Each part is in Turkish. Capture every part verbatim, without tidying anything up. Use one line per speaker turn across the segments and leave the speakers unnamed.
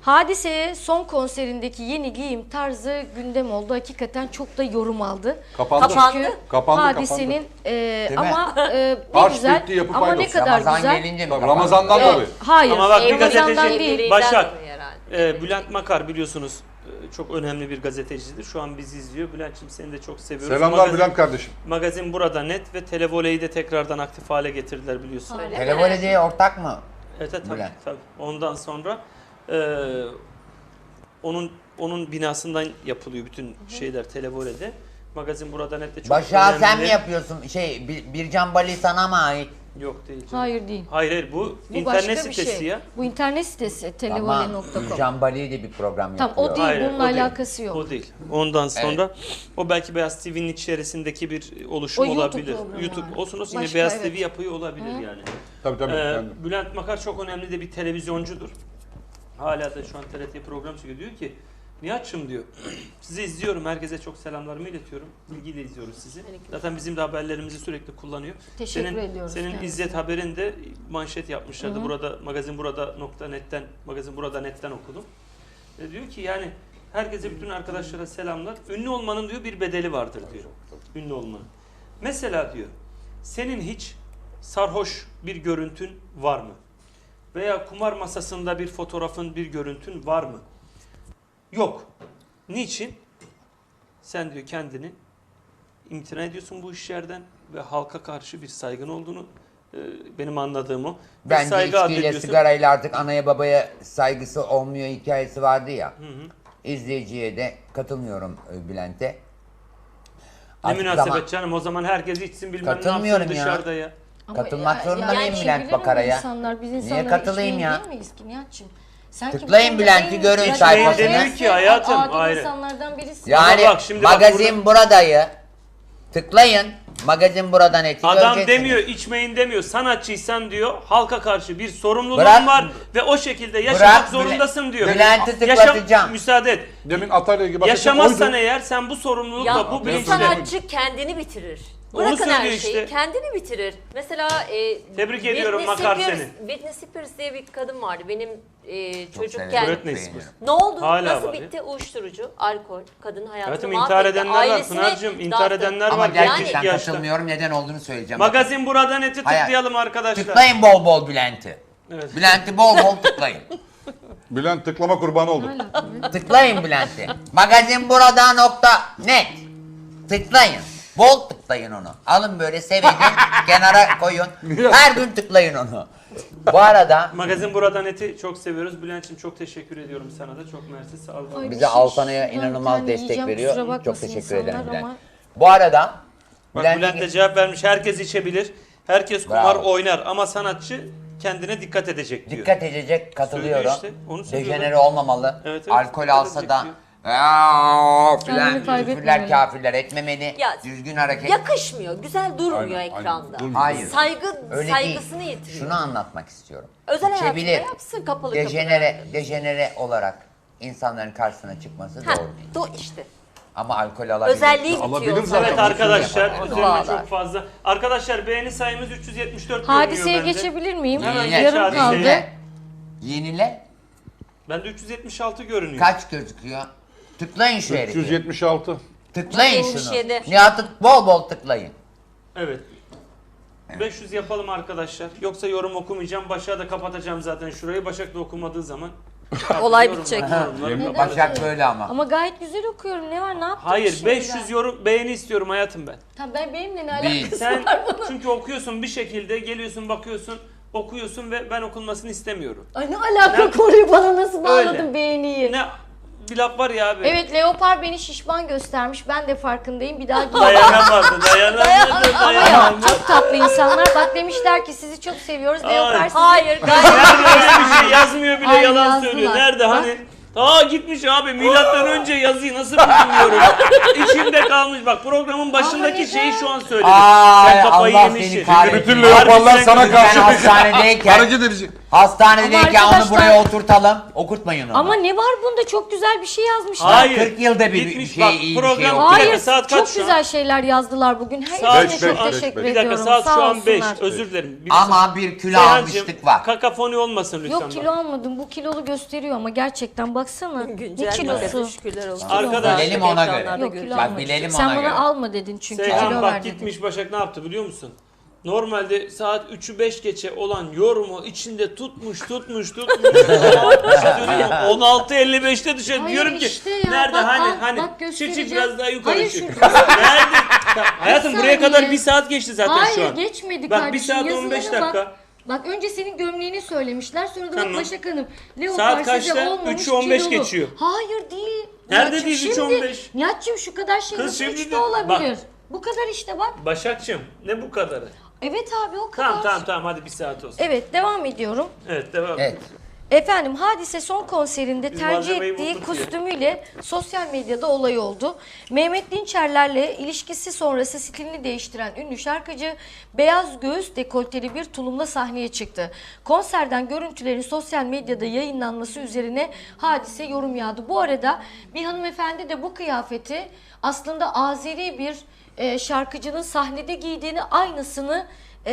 Hadise son konserindeki yeni giyim tarzı gündem oldu. Hakikaten çok da yorum aldı.
Kapandı.
Çünkü
Kapandı,
Hadise'nin
kapandı.
e,
Değil mi?
ama e, ne
Harç
güzel
bitti, yapı
ama ne
paydos.
kadar
Ramazan
güzel.
gelince mi
Tabii,
kapandı?
Ramazan'dan
Evet,
tabii.
hayır.
Ama bak bir
Ramazan'dan
gazeteci
değil.
Başak,
herhalde.
e, Bülent Makar biliyorsunuz e, çok önemli bir gazetecidir. Şu an bizi izliyor. Bülent'ciğim seni de çok seviyoruz.
Selamlar
Magazin,
Bülent kardeşim.
Magazin burada net ve Televole'yi de tekrardan aktif hale getirdiler biliyorsun.
Öyle mi?
Televole diye ortak mı?
Evet tabii,
Bülent.
tabii. Ondan sonra e, onun onun binasından yapılıyor bütün şeyler Televole'de. Magazin burada net de çok
Başak'a
önemli.
sen mi yapıyorsun? Şey, Bir- Bircan Bali sana mı ait?
Yok değil canım.
Hayır değil.
Hayır hayır bu,
Bu
internet
başka bir
sitesi
şey.
ya.
Bu internet sitesi
Ama
televole nokta com.
Bircan Bali de bir program
Tamam,
yapıyor.
o değil.
Hayır,
bununla
o değil.
alakası yok.
O değil. Ondan sonra o belki Beyaz T V'nin içerisindeki bir oluşum
O YouTube
olabilir.
programı
YouTube
yani.
olsun olsun yine
Başka,
Beyaz
evet.
T V yapıyor olabilir yani.
Tabii tabii.
Ee,
yani.
Bülent Makar çok önemli de bir televizyoncudur. Hala da şu an T R T program çekiyor. Diyor ki Nihat'cığım diyor sizi izliyorum. Herkese çok selamlarımı iletiyorum. Bilgiyle izliyoruz sizi. Zaten bizim de haberlerimizi sürekli kullanıyor.
Teşekkür
senin,
ediyoruz
Senin
kendisine.
İzzet haberinde manşet yapmışlardı. Burada magazin burada nokta net'ten magazin burada net'ten okudum. E, diyor ki yani herkese bütün arkadaşlara selamlar. Ünlü olmanın diyor bir bedeli vardır diyor. Ünlü olmanın. Mesela diyor senin hiç sarhoş bir görüntün var mı? Veya kumar masasında bir fotoğrafın, bir görüntün var mı? Yok. Niçin? Sen diyor kendini imtina ediyorsun bu işlerden ve halka karşı bir saygın olduğunu e, benim anladığım o. Bir
Bence
saygı
içkiyle
addediyorsun.
sigarayla artık anaya babaya saygısı olmuyor hikayesi vardı ya.
Hı hı.
İzleyiciye de katılmıyorum e, Bülent'e.
Ne
Artık
münasebet
zaman-
canım o zaman herkes içsin bilmem ne
Katılmıyorum
yapsın
ya.
dışarıda ya.
Ama
Katılmak
ya-
zorunda
yani
mıyım
şey
Bülent
bilir mi
Bakara'ya?
insanlar, biz
Niye
insanlar
katılayım
içmeyin
ya?
değil miyiz ki Nihat'cığım? Sen
Tıklayın
kim-
Bülent'i,
en-
görün
en-
sayfasını.
en-
Demiyor ki hayatım,
adil
ayrı.
insanlardan birisi.
Yani
Ama bak şimdi bak
magazin buradayı tıklayın. Magazin buradan eti
Adam
göreceksiniz.
demiyor içmeyin demiyor. Sanatçıysan diyor halka karşı bir sorumluluğun
Bırak-
var ve o şekilde yaşamak
Bırak
zorundasın diyor.
Bülent'i
Yaşam-
tıklatacağım.
müsaade et.
Demin Atay'la ilgili bahsettiğim
Yaşamazsan
oydu.
eğer sen bu sorumlulukla
Ya
bu
bu
bilinçle.
sanatçı kendini bitirir.
Onu
Bırakın her
söylüyor
şeyi,
işte.
kendini bitirir. Mesela e,
Tebrik ediyorum
Whitney
Makar
Spears-
seni.
Whitney Spears diye bir kadın vardı benim e,
Çok
çocukken.
severim,
Britney
beğeniyorum.
Spears.
Ne oldu?
Hala
Nasıl
var ya.
bitti? Uyuşturucu, alkol, kadın hayatını
Hayatım
mahvetti.
intihar edenler var
Ailesine
Pınar'cığım. İntihar
dağıttı.
edenler
Ama
var.
gerçekten
genç yaşta.
katılmıyorum. Neden olduğunu söyleyeceğim.
Magazin burada neti
Hayır.
tıklayalım arkadaşlar.
Tıklayın bol bol Bülent'i.
Evet.
Bülent'i bol bol tıklayın.
Bülent tıklama kurbanı oldu.
Tıklayın Bülent'i. Magazin burada nokta net. Tıklayın. Bol tıklayın onu. Alın böyle sevecin kenara koyun. Her gün tıklayın onu. Bu arada
Magazin burada neti çok seviyoruz. Bülent'ciğim çok teşekkür ediyorum sana da. Çok mersi sağ ol.
Ay,
bize
bir şey-
Altana'ya
ben
inanılmaz
kendi
destek
yiyeceğim,
veriyor.
kusura
Çok
bakmasın
teşekkür ederim
insanlar
Bülent.
ama-
Bu arada
Bak
Bülent'in-
Bülent de cevap vermiş. Herkes içebilir. Herkes kumar
Bravo.
oynar ama sanatçı kendine dikkat edecek diyor.
dikkat edecek, katılıyorum.
Söylüyor işte, onu söylüyor.
Dejenere olmamalı.
Evet, evet,
Alkol
dikkat
alsa
edecek
da
diyor.
"Aa,
Kendini
filan
kaybetmemeli.
küfürler kafirler etmemeli.
Ya,
düzgün hareket.
Yakışmıyor, güzel durmuyor
Aynen, aynen.
ekranda.
Durmuyor.
Hayır.
Saygı,
Öyle
saygısını
değil.
yitiriyor.
Şunu anlatmak istiyorum.
Özel hayatında
İçebilir.
yapsın kapalı
Dejenere,
kapıda.
dejenere olarak insanların karşısına çıkması
Ha,
doğru değil.
do işte.
Ama alkol alabilir.
Özelliği
Alabilir
bitiyor.
zaten.
Evet arkadaşlar
Onu
üzerine
bağlar.
çok fazla. Arkadaşlar beğeni sayımız üç yüz yetmiş dört
Hadiseye
görünüyor bende.
geçebilir miyim?
Hemen
Yenile.
geç
Yarım
hadiseye.
kaldı.
Yenile. Yenile.
Bende üç yüz yetmiş altı görünüyor.
Kaç gözüküyor? Tıklayın şu
üç
herifi.
yüz yetmiş altı.
Tıklayın
yetmiş
şunu.
yedi.
Nihat'ı bol bol tıklayın.
Evet. beş yüz yapalım arkadaşlar. Yoksa yorum okumayacağım. Başak'a da kapatacağım zaten şurayı. Başak da okumadığı zaman.
Olay
Yorum-
bitecek.
yorumları
Neden?
kapatacağım.
Başak böyle ama.
Ama gayet güzel okuyorum. Ne var? Ne yaptım?
Hayır
şimdi
beş yüz
ben?
yorum beğeni istiyorum hayatım ben.
Tamam, ben benimle ne
Bir.
alakası
Sen
var bunun?
çünkü okuyorsun bir şekilde geliyorsun bakıyorsun okuyorsun ve ben okunmasını istemiyorum.
Ay ne alaka
Ne-
konuyu bana nasıl bağladın
Öyle.
beğeniyi?
Ne bir laf var ya abi.
Evet, Leopar beni şişman göstermiş. Ben de farkındayım. Bir daha giyeceğim.
Dayanamadı, dayanamadı,
Ama ya
dayanamadı.
çok tatlı insanlar. Bak demişler ki sizi çok seviyoruz.
Ay.
Leopar sizi...
Hayır, gayet
Nerede öyle bir şey yazmıyor bile
Ay,
yalan
yazdılar.
söylüyor. Nerede
Bak.
hani? Aa gitmiş abi milattan önce yazıyı nasıl bilmiyorum. İçimde kalmış. Bak programın başındaki
Ama
şeyi
neden?
şu an söyledim.
Ay,
Sen kafayı
Allah
yemişsin.
seni kahretsin.
Bütün
Harbi
leoparlar
sen
sana
kötü-
Ben
karşı
hastanedeyken
hareket edecek.
Hastanedeyken
Ama
onu
arkadaşlar-
buraya oturtalım. Okutmayın onu.
Ama ne var bunda? Çok güzel bir şey yazmışlar.
Hayır.
kırk yılda bir
Gitmiş
şey,
bak,
iyi bir
program-
şey
Bir
okuyor.
Hayır,
dakika, saat kaç
çok
şu an?
güzel şeyler yazdılar bugün.
Saat
Hepsine
beş,
çok
beş,
teşekkür
beş.
Bir dakika
ediyorum.
saat
Sağ
şu an beş.
olsunlar.
Özür dilerim. Bir
Ama bir kilo
Seyhancığım,
almışlık var.
kakafoni olmasın lütfen.
Yok
bak.
kilo almadım. Bu kilolu gösteriyor ama gerçekten baksana. Ne
Güncel
kilosu?
kilosu. Şükürler olsun.
Arkadaş-
Bilelim ona göre.
Ekranlarda
Yok kilo
göreceğiz.
Bak,
almadım.
bilelim
Sen
ona
bana
göre.
alma dedin çünkü
Seyhan
kilo
bak
ver dedin.
gitmiş Başak ne yaptı biliyor musun? Normalde saat üçü beş geçe olan yorumu içinde tutmuş tutmuş tutmuş. Bir şey söyleyeyim mi? on altı elli beşte dışarı
Hayır
diyorum ki
işte ya,
nerede
bak,
hani
al,
hani
bak
çık
göstereceğim.
çık biraz daha yukarı
Hayır,
çık.
şurada.
Nerede? Ya, hayatım
Bir
buraya kadar
saniye.
bir saat geçti zaten
Hayır
şu an.
geçmedi
Bak, bir
kardeşim.
saat on beş
Yazılara
dakika.
Bak. Bak önce senin gömleğini söylemişler sonra da
Tamam.
bak Başak Hanım. Leopar
Saat
size
kaçta?
olmamış,
üçü on beş
kilolu.
geçiyor.
Hayır değil.
Nerede
Nihat'cığım,
değil, üçü on
şimdi-
beş?
Nihat'cığım şu kadar şey
Kız
nasıl
şimdi
üçte
de-
olabilir?
bak.
Bu kadar işte bak.
Başakçım ne bu kadarı?
Evet abi o kadar.
Tamam tamam tamam hadi bir saat olsun.
Evet devam ediyorum.
Evet devam.
Evet.
Efendim Hadise son konserinde
Biz
tercih
malzemeyi
ettiği
bulduk diye.
kostümüyle sosyal medyada olay oldu. Mehmet Dinçerler'le ilişkisi sonrası stilini değiştiren ünlü şarkıcı beyaz göğüs dekolteli bir tulumla sahneye çıktı. Konserden görüntülerin sosyal medyada yayınlanması üzerine Hadise yorum yağdı. Bu arada bir hanımefendi de bu kıyafeti aslında Azeri bir e, şarkıcının sahnede giydiğini aynısını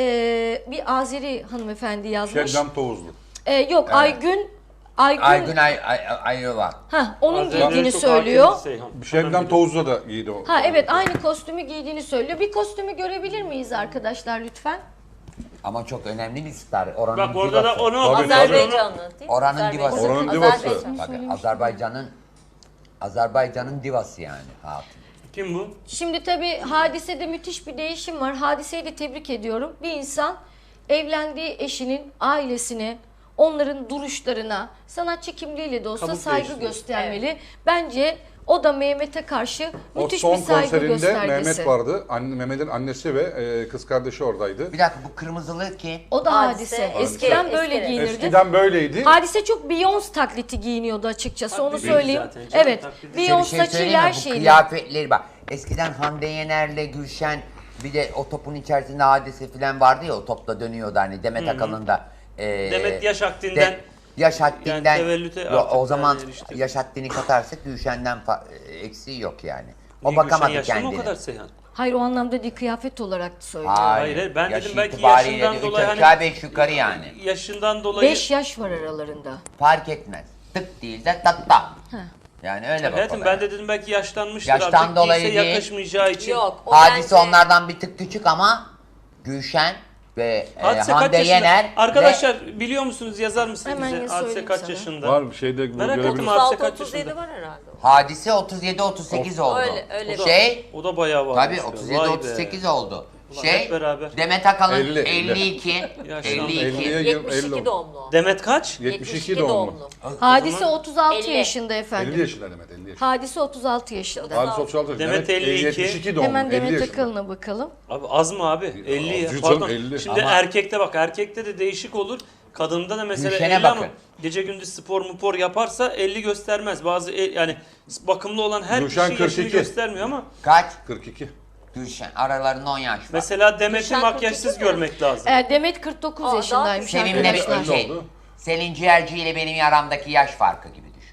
e, bir Azeri hanımefendi yazmış.
Şebnem Tovuzlu.
Ee, yok Aygün Aygün,
Aygün Ay, Ay, Ayova.
ha onun
Azerileri
giydiğini
çok
söylüyor.
hakimiz Seyhan.
Şebnem Tovuzlu da giydi o.
Ha evet aynı kostümü giydiğini söylüyor. Bir kostümü görebilir miyiz arkadaşlar lütfen?
Ama çok önemli bir star. Oranın
Bak orada da
divası.
onu
Tabii, tabii.
Azerbaycanlı değil mi?
Oranın
Azerbaycan.
divası.
Oranın divası.
Azerbaycan.
Bak, Azerbaycan'ın Azerbaycan'ın divası yani hatun.
Kim bu?
Şimdi tabii Hadise'de müthiş bir değişim var. Hadise'yi de tebrik ediyorum. Bir insan evlendiği eşinin ailesine, onların duruşlarına, sanatçı kimliğiyle de olsa
Kabuk
saygı
değiştiriyor.
göstermeli. Bence o da Mehmet'e karşı
O
müthiş
son
bir saygı
konserinde
göstergesi.
Mehmet vardı. Anne, Mehmet'in annesi ve e, kız kardeşi oradaydı.
Bir dakika bu kırmızılı ki
O da
Hadise.
Hadise. Eskiden
Hadise.
böyle
Eskiden.
giyinirdi.
Eskiden böyleydi.
Hadise çok Beyoncé taklidi giyiniyordu açıkçası
Taklidi
onu söyleyeyim.
zaten canım,
Evet.
taklidi.
bir
Beyoncé
şey
saçıyla
söyleyeyim
her
mi? Bu
şeyle.
kıyafetleri bak. Eskiden Hande Yener'le Gülşen bir de o topun içerisinde Hadise falan vardı ya o topla dönüyordu hani Demet Akalın da. e,
Demet yaş haddinden-
de- yaş haddinden.
Yani tevellüte
Yo,
artık
o zaman
yani erişti.
yaş haddini katarsak Gülşen'den fa- eksiği yok yani. O
Niye
bakamadı
Gülşen yaşlı mı
kendine.
o kadar Seyhan?
Hayır o anlamda değil kıyafet olarak söylüyorum.
Hayır, hayır, ben
yaş
dedim belki
itibariyle
yaşından
de üç
dolayı
aşağı
hani-
beş yukarı yani.
Yaşından dolayı.
beş yaş var aralarında.
Fark etmez. Tık değil de tatta. Yani öyle bak
Hayatım
olaya.
ben de dedim belki yaşlanmıştır
Yaştan
artık
dolayı
giyse
değil.
yakışmayacağı için.
Yok. O
Hadise
bence-
onlardan bir tık küçük ama Gülşen ve e,
Hadise kaç
Hande
yaşında?
Yener
Arkadaşlar biliyor musunuz yazar mısınız
Hemen
bize?
ya
Hadise
söyleyeyim
kaç
sana.
yaşında?
Var bir şeyde bu
Merak ettim
görebiliriz.
abi. Hadise
otuz altı
kaç
otuz yedi
yaşında?
var herhalde.
ve Hadise otuz yedi otuz sekiz oldu.
Öyle, öyle.
O da,
Şey
o da bayağı var.
tabii otuz yedi otuz sekiz oldu.
Ulan
Şey
hep beraber.
Demet Akalın
elli,
elli iki
Yaşlandı.
elli iki
elliye
yetmiş
elli
iki
oldu.
doğumlu. o.
Demet kaç?
yetmiş iki doğumlu.
Hadise
zaman-
otuz altı
elli.
yaşında efendim.
elli yaşında Demet, elli yaşında.
Hadise otuz altı yaşında.
Hadise otuz altı yaşında.
Demet elli iki.
yetmiş iki doğumlu.
Hemen
elli
Demet
yaşında.
Akalın'a bakalım.
Abi az mı abi? elli ya.
Az canım,
Pardon.
elli.
Şimdi
Ama-
erkekte bak erkekte de değişik olur. Kadında da mesela
Gülşen'e
elli ama
bakın.
gece gündüz spor mupor yaparsa elli göstermez. Bazı el- yani bakımlı olan her
Gülşen
kişi yaşını
kırk iki.
göstermiyor ama
kaç?
kırk iki.
Gülşen aralarında on yaş var.
mesela Demet'i
Gülşen
makyajsız
kırk iki mi?
görmek lazım.
Ee, Demet kırk dokuz
Aa,
yaşındaymış
daha
Seninle
arkadaşlar.
bir şey.
oldu.
Selin Ciğerci ile benim aramdaki yaş farkı gibi düşün.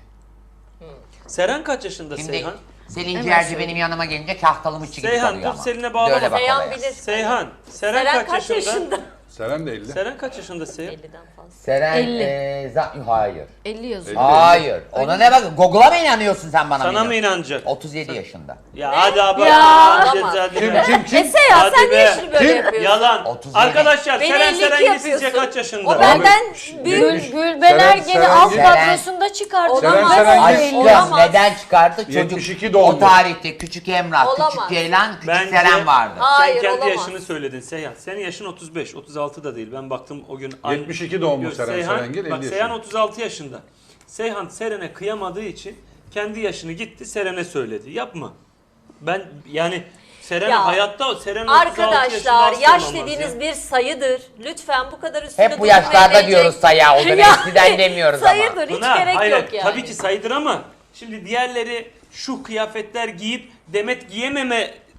Seren kaç yaşında
Şimdi
Seyhan?
Selin
Hemen
Ciğerci
söyleyeyim.
benim yanıma gelince kahtalımı gibi
Seyhan,
kalıyor
dur
ama.
Selin'e bağlama.
Böyle bak
Seyhan
olaya.
bilir.
Seyhan. Seren,
Seren
kaç, yaşında?
yaşında?
Seren de elli.
Seren kaç yaşında Seyhan?
elliden fazla.
Seren
elli.
e, za- hayır.
elli yazıyor.
elli.
Hayır. Ona ne bak? Google'a mı inanıyorsun sen bana?
Sana
mı
mı
inanıyorsun?
inanacak?
otuz yedi yaşında.
Ya hadi abi.
Ya.
Hadi,
Olamaz.
hadi
Kim
be.
kim kim?
E Seyhan
Hadi
sen
be.
niye şimdi böyle
Kim?
yapıyorsun?
Yalan.
otuz yedi.
Arkadaşlar
Beni
Seren
elli iki
Serengil sizce
yapıyorsun.
kaç yaşında?
O benden
Abi,
büyük.
yetmiş-
Gülben
Seren-
Ergen'i alt
Serengil-
kadrosunda çıkartıyor.
Seren
Olamaz.
Serengil-
Aşkım
Olamaz.
neden çıkardı? Çocuk
yetmiş iki doğumlu.
o tarihte küçük Emrah,
Olamaz.
küçük Ceylan, küçük
Bence-
Seren vardı.
Hayır,
Sen kendi
olamaz.
yaşını söyledin Seyhan. Senin yaşın otuz beş, otuz altı da değil. Ben baktım o gün. aynı-
yetmiş iki doğumlu
Yok,
Seren
Seyhan,
Serengil, elli
bak Seyhan
yaşında.
otuz altı yaşında. Seyhan Seren'e kıyamadığı için kendi yaşını gitti Seren'e söyledi. Yapma. Ben yani Seren
Ya,
hayatta Seren otuz altı yaşında
Arkadaşlar
asla
yaş
olamaz
dediğiniz
ya.
bir sayıdır. Lütfen bu kadar üstüne
Hep bu
durmayın,
yaşlarda
diyecek.
diyoruz sayı o zaman.
Ya,
Eskiden demiyoruz ama.
Sayıdır hiç
Pınar,
gerek
hayır,
yok yani.
Tabii ki sayıdır ama şimdi diğerleri şu kıyafetler giyip Demet giyememe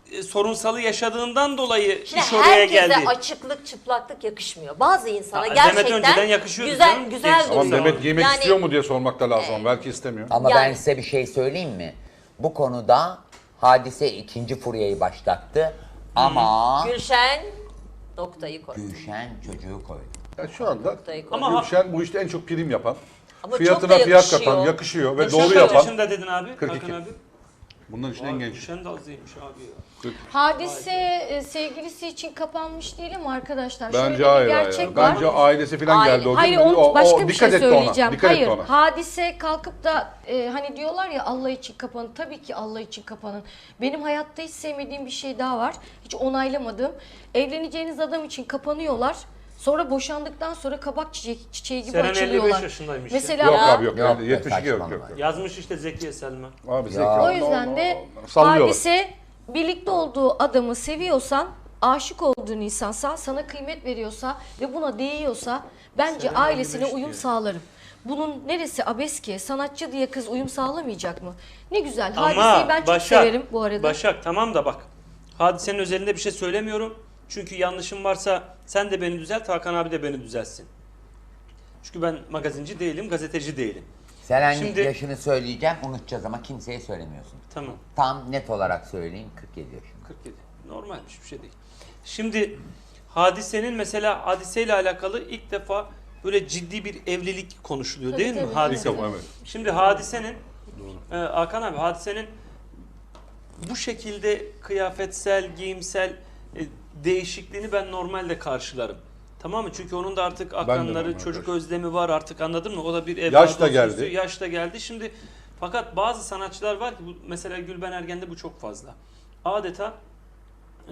e, sorunsalı yaşadığından dolayı
Şimdi
iş oraya
herkese
geldi.
açıklık, çıplaklık yakışmıyor. Bazı insana
Ha, Demet
gerçekten
önceden yakışıyordu
güzel
canım.
güzel
Genç-
duruyor.
Ama Demet giymek
Yani-
istiyor mu diye sormak da lazım. Belki istemiyor.
Ama
Yani-
ben size bir şey söyleyeyim mi? Bu konuda Hadise ikinci furyayı başlattı. Ama
Gülşen noktayı koydu.
Gülşen çocuğu koydu.
Ya şu anda
Noktayı koydu.
Ama-
Gülşen bu işte en çok prim yapan,
Ama çok
fiyatına
da
fiyat
yakışıyor.
katan, yakışıyor ve
Gülşen
doğru
kaç
yapan.
yaşında dedin abi?
kırk iki.
Hakan abi.
Bunların için en
Vay,
genç.
Gülşen de azıymış abi ya.
Hadise e, sevgilisi için kapanmış değil mi arkadaşlar? Şöyle
Bence
bir
hayır
gerçek
hayır.
var.
Bence ailesi falan
Aile-
geldi o gün.
Hayır,
O-
onu
o-
başka
o
bir şey
dikkat etti ona,
söyleyeceğim.
dikkat
Hayır,
etti ona.
hadise kalkıp da e, hani diyorlar ya Allah için kapanın. Tabii ki Allah için kapanın. Benim hayatta hiç sevmediğim bir şey daha var. Hiç onaylamadığım. Evleneceğiniz adam için kapanıyorlar. Sonra boşandıktan sonra kabak çiçeği, çiçeği gibi
Seren elli beş
açılıyorlar.
yaşındaymış ya.
Mesela
Yok
Ya.
abi yok.
Yok
yani
be,
yetmiş iki yok, yok.
saçmalama.
yok.
Yazmış işte Zekiye Selma.
Abi zeki.
Ya.
o
Allah
yüzden
Allah
de
Allah. Sallıyorlar.
hadise birlikte olduğu adamı seviyorsan, aşık olduğun insansa, sana kıymet veriyorsa ve buna değiyorsa bence
Seren
ailesine
elli beş
uyum
diyor.
sağlarım. Bunun neresi abes ki? Sanatçı diye kız uyum sağlamayacak mı? Ne güzel.
Ama
Hadiseyi ben çok
Başak,
severim bu arada.
Başak tamam da bak. Hadisenin özelinde bir şey söylemiyorum. Çünkü yanlışım varsa sen de beni düzelt, Hakan abi de beni düzeltsin. Çünkü ben magazinci değilim, gazeteci değilim.
Seren
Şimdi-
yaşını söyleyeceğim, unutacağız ama kimseye söylemiyorsun.
Tamam.
Tam net olarak söyleyeyim, kırk yedi yaşında.
kırk yedi. Normalmiş, bir şey değil. Şimdi Hadise'nin mesela Hadise'yle alakalı ilk defa böyle ciddi bir evlilik konuşuluyor
Tabii,
değil mi?
tabii.
Hadise.
İlk defa, evet.
Şimdi Hadise'nin e, Hakan abi Hadise'nin bu şekilde kıyafetsel, giyimsel e, değişikliğini ben normalde karşılarım. Tamam mı? Çünkü onun da artık akranları,
normal
çocuk
karşılarım.
özlemi var artık, anladın mı? O da bir
Yaş
evladı
da geldi.
istiyor, Yaş da geldi. Şimdi fakat bazı sanatçılar var ki bu, mesela Gülben Ergen'de bu çok fazla. Adeta e,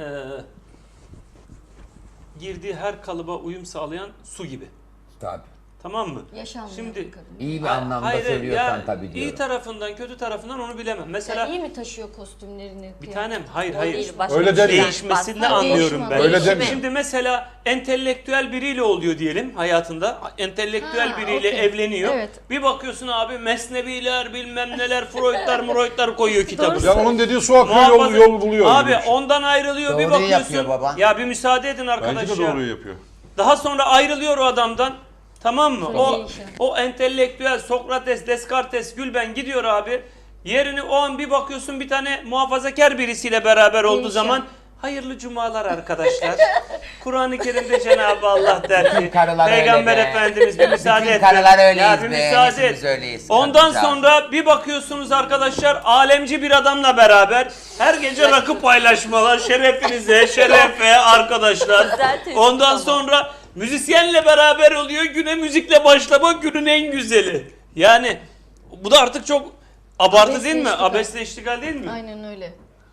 girdiği her kalıba uyum sağlayan su gibi.
Tabii.
Tamam mı?
Yaşanmıyor
Şimdi
bu kadın.
İyi bir
Ha-
anlamda
hayır,
söylüyorsan
ya,
tabii
iyi
diyorum.
tarafından kötü tarafından onu bilemem. Mesela
Ya iyi mi taşıyor kostümlerini?
bir tanem hayır
O
hayır.
değil, başka
Öyle
bir şey.
deme.
Değişmesini
Bak,
anlıyorum
değişim
ben.
ama.
Öyle deme.
Şimdi mesela entelektüel biriyle oluyor diyelim hayatında. Entelektüel
Ha,
biriyle
okey.
evleniyor.
Evet.
Bir bakıyorsun abi mesneviler bilmem neler Freudlar Freudlar koyuyor kitabı.
Ya onun dediği su akıyor yol,
Muhafaza-
yol buluyor.
Abi
gibi bir şey.
ondan ayrılıyor bir
Doğruyu
bakıyorsun.
yapıyor baba.
Ya bir müsaade edin arkadaş
Bence de
ya.
doğruyu yapıyor.
Daha sonra ayrılıyor o adamdan. Tamam mı?
Çok
O
iyi iş ya.
o entelektüel Sokrates, Descartes, Gülben gidiyor abi. Yerini o an bir bakıyorsun bir tane muhafazakar birisiyle beraber olduğu
Değişiyor.
zaman hayırlı cumalar arkadaşlar. Kur'an-ı Kerim'de Cenab-ı Allah der ki
Bütün karılar
Peygamber
öyle be.
Efendimiz bir müsaade
Bütün
et.
karılar
Ya
öyleyiz
bir
be,
müsaade
hepimiz
et.
öyleyiz.
Ondan
Kadıncağız.
sonra bir bakıyorsunuz arkadaşlar alemci bir adamla beraber her gece rakı paylaşmalar şerefinize, şerefe arkadaşlar.
Güzel tespit
Ondan
ama.
sonra müzisyenle beraber oluyor. Güne müzikle başlama günün en güzeli. Yani bu da artık çok abartı
Abesle
değil mi?
iştigal.
Abesle iştigal değil mi?
Aynen öyle.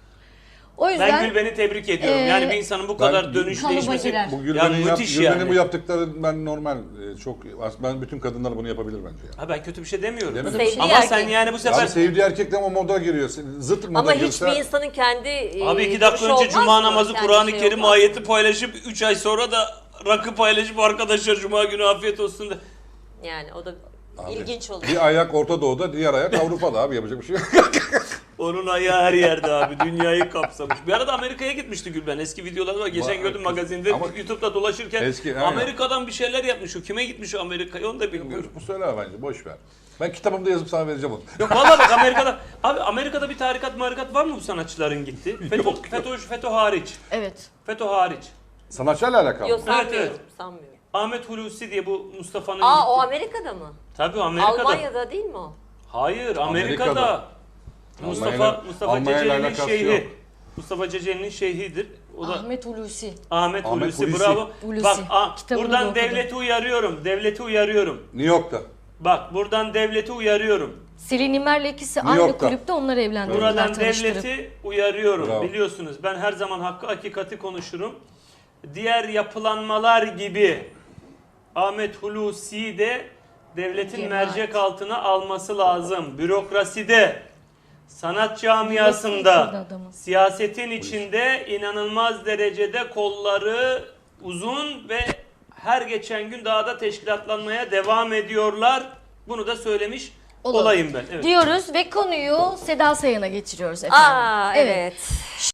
O yüzden
Ben Gülben'i tebrik ediyorum.
Ee,
yani bir insanın bu
ben
kadar dönüş
kalıba
değişmesi
girer.
Bu
ya
Gülben'in yap,
müthiş
Gülben'in
yani.
bu yaptıkları ben normal e, çok ben bütün kadınlar bunu yapabilir bence ya.
Ha ben kötü bir şey demiyorum.
Demedim.
Sevdiği
Ama
erkek.
sen yani bu sefer
Yani sevdiği erkekle o moda giriyor. Zıt moda
Ama
girse.
hiçbir insanın kendi e,
abi iki dakika
duruşu
önce
olmaz
cuma
mı?
namazı
Kendi
Kur'an-ı
şey
Kerim
olmaz mı?
ayeti paylaşıp üç ay sonra da rakı paylaşıp arkadaşlar cuma günü afiyet olsun da.
Yani o da
Abi,
ilginç oluyor.
Bir ayak Orta Doğu'da, diğer ayak Avrupa'da abi yapacak bir şey yok.
Onun ayağı her yerde abi. Dünyayı kapsamış. Bir arada Amerika'ya gitmişti Gülben. Eski videoları var. Geçen
Ba-
gördüm magazinde.
Ama-
YouTube'da dolaşırken
Eski, aynen.
Amerika'dan bir şeyler yapmış. O kime gitmiş o Amerika'ya onu da bilmiyorum.
bu, bu söyle bence boş ver. Ben kitabımda yazıp sana vereceğim onu.
Yok valla bak Amerika'da. Abi Amerika'da bir tarikat marikat var mı bu sanatçıların gitti? FETÖ,
Yok.
FETÖ, FETÖ hariç.
evet.
FETÖ hariç.
Sanatçıyla alakalı.
Yok sanmıyorum.
Evet, evet.
Sanmıyorum.
Ahmet Hulusi diye bu Mustafa'nın
Aa
gitti.
o Amerika'da mı?
Tabii Amerika'da.
Almanya'da değil mi o?
Hayır Amerika'da.
Amerika'da.
Mustafa
Almanya'yla-
Mustafa
Almanya'yla
Ceceli'nin
alakası
şeyhi.
yok.
Mustafa Ceceli'nin şeyhidir. O da
Ahmet Hulusi.
Ahmet,
Ahmet
Hulusi,
Hulusi.
bravo.
Hulusi.
Bak a,
Kitabını da
buradan
okudum.
devleti uyarıyorum. Devleti uyarıyorum.
New York'ta.
Bak buradan devleti uyarıyorum.
Selin İmer'le ikisi
New
aynı
York'ta.
kulüpte onları evlendirdiler,
Buradan
tanıştırıp.
devleti uyarıyorum.
Bravo.
Biliyorsunuz ben her zaman hakkı hakikati konuşurum. Diğer yapılanmalar gibi Ahmet Hulusi de devletin
Cemaat.
mercek altına alması lazım. Bürokraside, sanat
Bürokrasi
camiasında,
içinde adamın.
siyasetin içinde inanılmaz derecede kolları uzun ve her geçen gün daha da teşkilatlanmaya devam ediyorlar. Bunu da söylemiş
Olalım.
olayım ben. Evet.
Diyoruz ve konuyu Seda Sayan'a geçiriyoruz efendim.
Aa evet.